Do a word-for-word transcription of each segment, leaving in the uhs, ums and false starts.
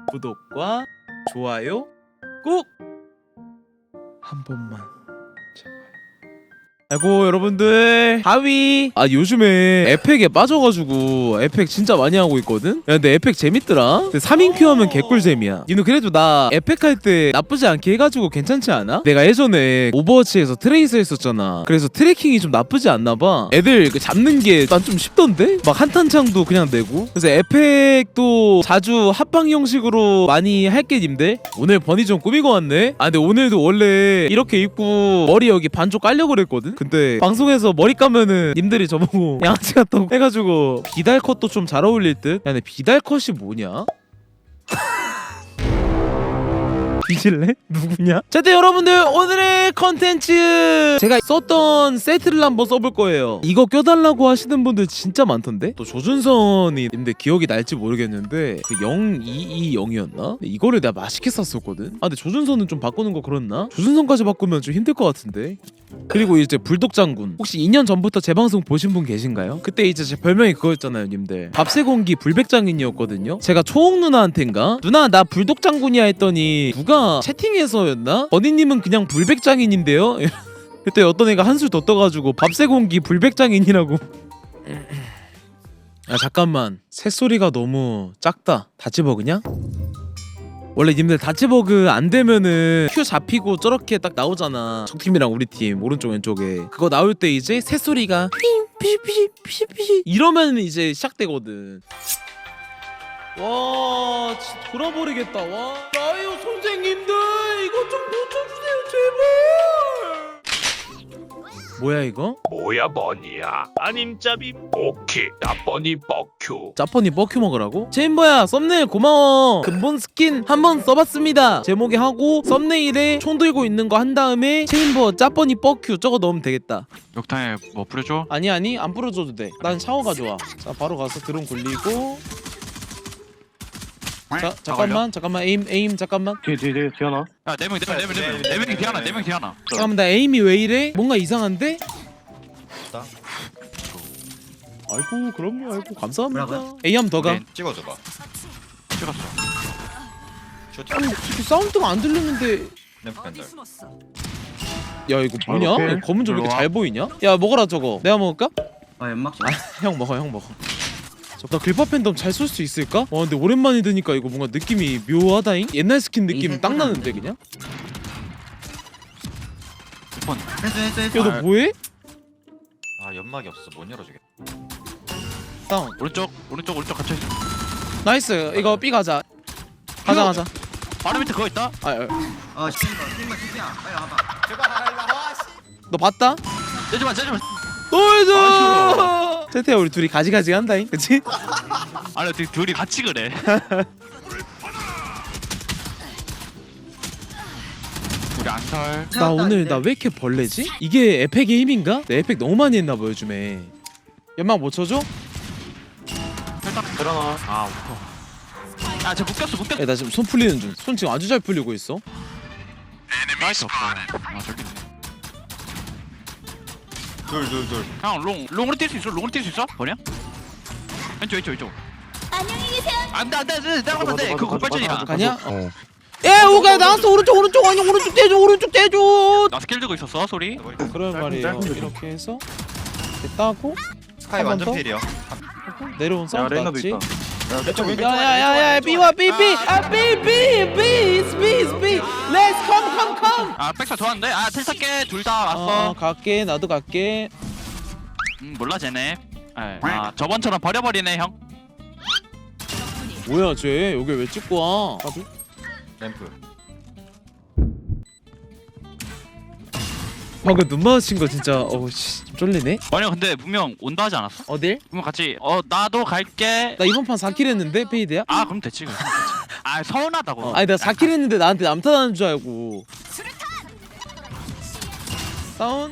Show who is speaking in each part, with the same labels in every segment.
Speaker 1: 구독과 좋아요 꼭 한 번만. 아이고 여러분들 하위 아 요즘에 에펙에 빠져가지고 에펙 진짜 많이 하고 있거든. 야 근데 에펙 재밌더라. 근데 삼 인 큐 하면 개꿀잼이야. 니는 그래도 나 에펙 할 때 나쁘지 않게 해가지고 괜찮지 않아? 내가 예전에 오버워치에서 트레이서 했었잖아. 그래서 트래킹이 좀 나쁘지 않나봐. 애들 그 잡는 게 난 좀 쉽던데? 막 한탄창도 그냥 내고. 그래서 에펙도 자주 합방 형식으로 많이 할게 님들. 오늘 버니 좀 꾸미고 왔네. 아 근데 오늘도 원래 이렇게 입고 머리 여기 반쪽 깔려고 그랬거든. 근데 방송에서 머리 감으면은 님들이 저보고 양아치 같다고 해가지고 비달 컷도 좀 잘 어울릴 듯? 야 근데 비달 컷이 뭐냐? 뒤질래? 누구냐? 자, 네, 여러분들 오늘의 컨텐츠 제가 썼던 세트를 한번 써볼 거예요. 이거 껴달라고 하시는 분들 진짜 많던데? 또 조준선이 근데 기억이 날지 모르겠는데 그 영이이영이었나? 이거를 내가 맛있게 샀었거든? 아 근데 조준선은 좀 바꾸는 거 그렇나? 조준선까지 바꾸면 좀 힘들 것 같은데? 그리고 이제 불독 장군 혹시 이 년 전부터 제 방송 보신 분 계신가요? 그때 이제 제 별명이 그거였잖아요 님들. 밥새공기 불백장인이었거든요. 제가 초옥 누나한텐가? 누나 나 불독 장군이야 했더니 누가 채팅에서였나? 버니님은 그냥 불백장인인데요? 그때 어떤 애가 한술 더 떠가지고 밥새공기 불백장인이라고. 야 잠깐만 새소리가 너무 작다. 다 집어 그냥? 원래 님들 다치버그 안 되면은 큐 잡히고 저렇게 딱 나오잖아. 적팀이랑 우리 팀 오른쪽 왼쪽에 그거 나올 때 이제 새소리가 피피피피피 이러면 이제 시작되거든. 와 진짜 돌아버리겠다. 와 나요 선생님들 이거 좀 고쳐주세요 제발. 뭐야 이거?
Speaker 2: 뭐야 버니야? 아님 짭임? 오케이 나 버니 버큐.
Speaker 1: 짜퍼니 버큐 먹으라고? 체인버야 썸네일 고마워. 근본 스킨 한번 써봤습니다. 제목에 하고 썸네일에 총 들고 있는 거 한 다음에 체인버 짜퍼니 버큐 저거 넣으면 되겠다.
Speaker 3: 욕탕에 뭐 뿌려줘?
Speaker 1: 아니 아니 안 뿌려줘도 돼. 난 샤워가 좋아. 자 바로 가서 드론 굴리고. 자 잠깐만 잠깐만 에임 에임 잠깐만.
Speaker 4: 뒤에 뒤에 뒤에 뒤에 하나.
Speaker 3: 야 네 명 네 명 네 명 네 명 네 명이 뒤하나 네 명이 뒤하나.
Speaker 1: 잠깐만 나 에임이 왜 이래? 뭔가 이상한데? 아이고 그럼요 아이고 감사합니다. 에이 한 번 더 가.
Speaker 3: 네.
Speaker 5: 찍어줘봐.
Speaker 3: 찍었어.
Speaker 1: 아니 이렇게 사운드가 안 들리는데.
Speaker 5: 램프 밴들.
Speaker 1: 야 이거 뭐냐?
Speaker 4: 오케이.
Speaker 1: 야, 검은 좀 왜 이렇게
Speaker 3: 들어와.
Speaker 1: 잘 보이냐? 야 먹어라 저거. 내가 먹을까?
Speaker 6: 아 연막
Speaker 1: 아, 형 먹어 형 먹어. 나 글파 팬덤 잘 쏠 수 있을까? 와 근데 오랜만에 드니까 이거 뭔가 느낌이 묘하다잉? 옛날 스킨 느낌 딱 나는데 그냥?
Speaker 3: 번.
Speaker 6: 했어 했어 했어.
Speaker 1: 야 너 뭐해?
Speaker 5: 아 연막이 없어. 못 열어주겠다.
Speaker 1: 다운.
Speaker 3: 오른쪽 오른쪽 오른쪽 갇혀 있어.
Speaker 1: 나이스. 이거 B 가자. 가자 가자.
Speaker 3: 바로 밑에 그거 있다.
Speaker 1: 아, 아,
Speaker 6: 아 시킨다 시킨다 시키야 빨리 와봐.
Speaker 1: 너 봤다?
Speaker 3: 째지마 째지마.
Speaker 1: 노이즈. 세태야 우리 둘이 가지가지 한다잉, 그치?
Speaker 3: 아니 어떻게 둘이 같이 그래? 우리 안설.
Speaker 1: 나 오늘 나 왜 이렇게 벌레지? 이게 에펙 게임인가? 내 에펙 너무 많이 했나봐 요즘에. 연막 못 쳐줘?
Speaker 3: 살짝
Speaker 4: 들어나.
Speaker 3: 아 웃어. 아쟤 묶였어 묶였어.
Speaker 1: 야 나 지금 손 풀리는 중. 손 지금 아주 잘 풀리고 있어.
Speaker 3: 나이스 없어. 아 저기 있네.
Speaker 5: 둘둘 둘.
Speaker 3: 형 롱, 롱으로 뛸 수 있어? 롱으로 뛸 수 있어? 버냐? 왼쪽 왼쪽 왼쪽.
Speaker 7: 안녕히 계세요.
Speaker 3: 안돼 안돼 안돼 따라가면 안돼. 그거 골발전이야.
Speaker 1: 가냐? 어. 에 오가 나왔어. 오른쪽 오른쪽 아니 오른쪽 떼줘 오른쪽 떼줘.
Speaker 3: 나 스킬 들고 있었어 소리.
Speaker 1: 그런 말이에요.
Speaker 4: 짧은
Speaker 1: 이렇게 해서 이렇게 따고
Speaker 5: 스카이
Speaker 1: 한번
Speaker 5: 완전
Speaker 1: 더?
Speaker 5: 필이야.
Speaker 1: 내려온
Speaker 4: 야
Speaker 1: 사운드
Speaker 4: 레이나도
Speaker 1: 났지?
Speaker 4: 있다.
Speaker 5: 왼쪽 왼쪽.
Speaker 1: 야야야야 B와 B B 아 B B B B B B Let's come come come.
Speaker 3: 아 백사 좋았는데? 아 텔탈게 둘 다
Speaker 1: 어,
Speaker 3: 왔어.
Speaker 1: 어 갈게 나도 갈게.
Speaker 3: 음 몰라 쟤네. 에, 아 저번처럼 버려버리네 형.
Speaker 1: 뭐야 쟤 여기 왜 찍고 와? 나도?
Speaker 5: 램프.
Speaker 1: 방금 눈 마주친 거 진짜 어씨 좀 쫄리네.
Speaker 3: 아니야 근데 분명 온다 하지 않았어?
Speaker 1: 어딜?
Speaker 3: 분명 같이 어 나도 갈게.
Speaker 1: 나 이번 판 사 킬 했는데 페이드야?
Speaker 3: 아 그럼 됐지 그럼 됐지. 아 서운하다고.
Speaker 1: 어, 아니 내가 사 킬 했는데 나한테 남탓하는 줄 알고. 다운.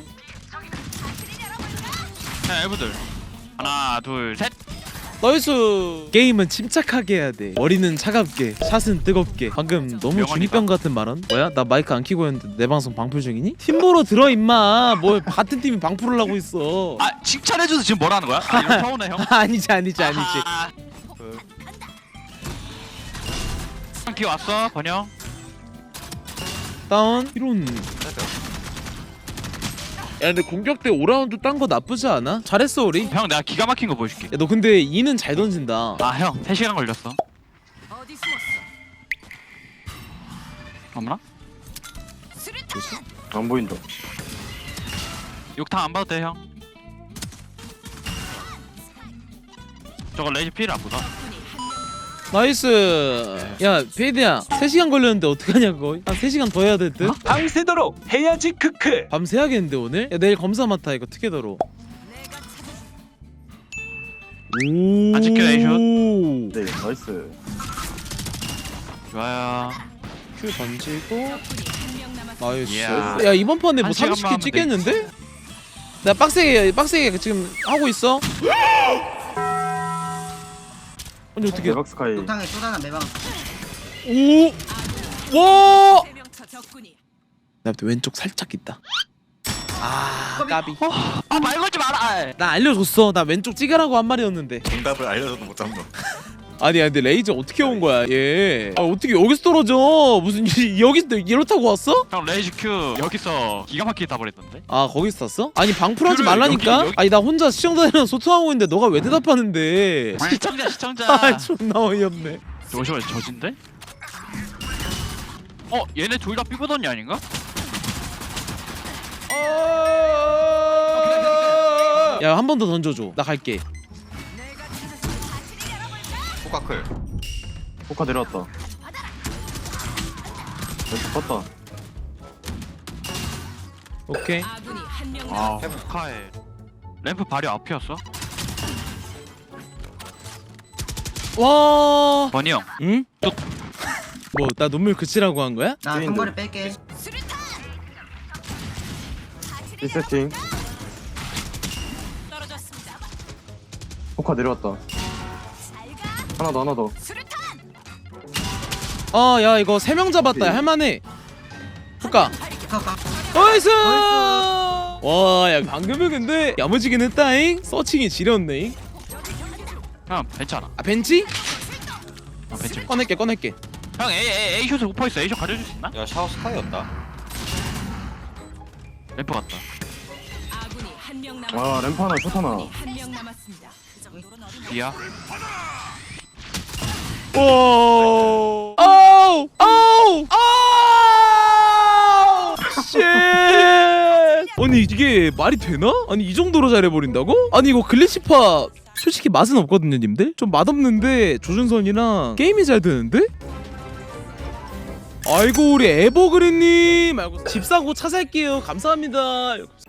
Speaker 3: 자 엘브들 하나 둘 셋.
Speaker 1: 나이스. 게임은 침착하게 해야 돼. 머리는 차갑게, 샷은 뜨겁게. 방금 너무
Speaker 3: 명언이다.
Speaker 1: 중이병 같은 발언. 뭐야? 나 마이크 안 켜고 했는데 내 방송 방풀 중이니? 팀보러 들어 임마. 뭐 같은 팀이 방풀을 하고 있어.
Speaker 3: 아 칭찬해줘서 지금 뭐라는 거야? 아 이거 서운해 형.
Speaker 1: 아니지 아니지 아니지.
Speaker 3: 아, 형 뒤에 왔어 번영.
Speaker 1: 다운. 이런. 야 근데 공격 때 오 라운드 딴 거 나쁘지 않아? 잘했어 우리. 야
Speaker 3: 형 내가 기가 막힌 거 보여줄게.
Speaker 1: 너 근데 이는 잘 던진다.
Speaker 3: 아 형 세 시간 걸렸어.
Speaker 4: 어디 숨었어?
Speaker 3: 어머나?
Speaker 7: 안 보인다.
Speaker 3: 욕탕 안 봐도 돼 형. 저거 레이지 필 안 보다.
Speaker 1: 나이스. 야 페이드야 세 시간 걸렸는데 어떡하냐 그거. 한 세 시간 더 해야 될 듯?
Speaker 2: 밤새도록 해야지 크크.
Speaker 1: 밤새 야겠는데 오늘? 야 내일 검사 맡아 이거 특혜더로. 오.
Speaker 3: 안 찍혀, 에이샷.
Speaker 7: 네, 나이스.
Speaker 3: 좋아요.
Speaker 1: 큐 던지고.
Speaker 4: 한명 남았어.
Speaker 1: 나이스.
Speaker 3: 이야.
Speaker 1: 야 이번 판에 뭐
Speaker 3: 한 시간만
Speaker 1: 삼십 킬
Speaker 3: 하면
Speaker 1: 찍겠는데? 나 빡세게 빡세게 지금 하고 있어. 아니 어떻게?
Speaker 7: 대박 스카이.
Speaker 6: 욕탕에 쏟아나 매방.
Speaker 1: 오. 와.
Speaker 4: 세명차 적군이.
Speaker 1: 나 왼쪽 살짝 있다. 아 까비.
Speaker 3: 아말 걸지 마라.
Speaker 1: 나 알려줬어. 나 왼쪽 찍으라고 한 말이었는데.
Speaker 5: 정답을 알려줘도 못 잡는.
Speaker 1: 아니 근데 레이저 어떻게 온 거야 얘. 아 어떻게 여기서 떨어져. 무슨 이- 여기서 이로 타고 왔어?
Speaker 3: 형 레이지 큐 여기서 기가 막히게 다 버렸던데.
Speaker 1: 아 거기서 탔어? 아니 방풀하지
Speaker 3: 그래,
Speaker 1: 말라니까.
Speaker 3: 여기, 여기.
Speaker 1: 아니 나 혼자 시청자들이랑 소통하고 있는데 너가 왜 대답하는데.
Speaker 3: 시청자 시청자.
Speaker 1: 아 존나 어이없네.
Speaker 3: 잠시만 저진데? 어 얘네 둘 다 삐거던이 아닌가?
Speaker 1: 야 한 번 더 던져줘. 나 갈게.
Speaker 5: 포카클.
Speaker 7: 포카 내려왔다. 왼쪽 컸다.
Speaker 1: 오케이.
Speaker 4: 아군이 한명
Speaker 3: 아
Speaker 4: 남았어.
Speaker 3: 포카에 램프 발이 앞이었어?
Speaker 1: 와.
Speaker 3: 버니 형.
Speaker 1: 응? 뭐 나 눈물 그치라고 한 거야?
Speaker 6: 나 상거리 뺄게.
Speaker 7: 일 세팅.
Speaker 4: 떨어졌습니다.
Speaker 7: 포카 내려왔다. 하나 더, 하나 더.
Speaker 1: 아 야 이거 세 명 잡았다. 할만해. 볼까?
Speaker 6: 카카.
Speaker 1: 나이스. 와야 방금은 근데 야무지긴 했다잉. 서칭이 지렸네.
Speaker 3: 형 괜찮아.
Speaker 1: 아 벤치?
Speaker 3: 어, 벤치. 벤치.
Speaker 1: 꺼낼게 꺼낼게.
Speaker 3: 형 A A A 숏에 오퍼 있어. A 숏 가져줄 수 있나?
Speaker 5: 야 샤워 스카이였다.
Speaker 3: 램프 같다.
Speaker 4: 아군이 한명 남았어.
Speaker 7: 아, 램프 하나, 숏 하나.
Speaker 4: 한명 남았습니다. 그 정도로 어린
Speaker 3: B야.
Speaker 1: 오. 아우 아우 아우. 쉣. 아니 이게 말이 되나? 아니 이 정도로 잘해버린다고? 아니 이거 글리치파 솔직히 맛은 없거든요 님들? 좀 맛없는데 조준선이랑 게임이 잘 되는데? 아이고 우리 에버그린님 아이고 집 사고 차 살게요 감사합니다.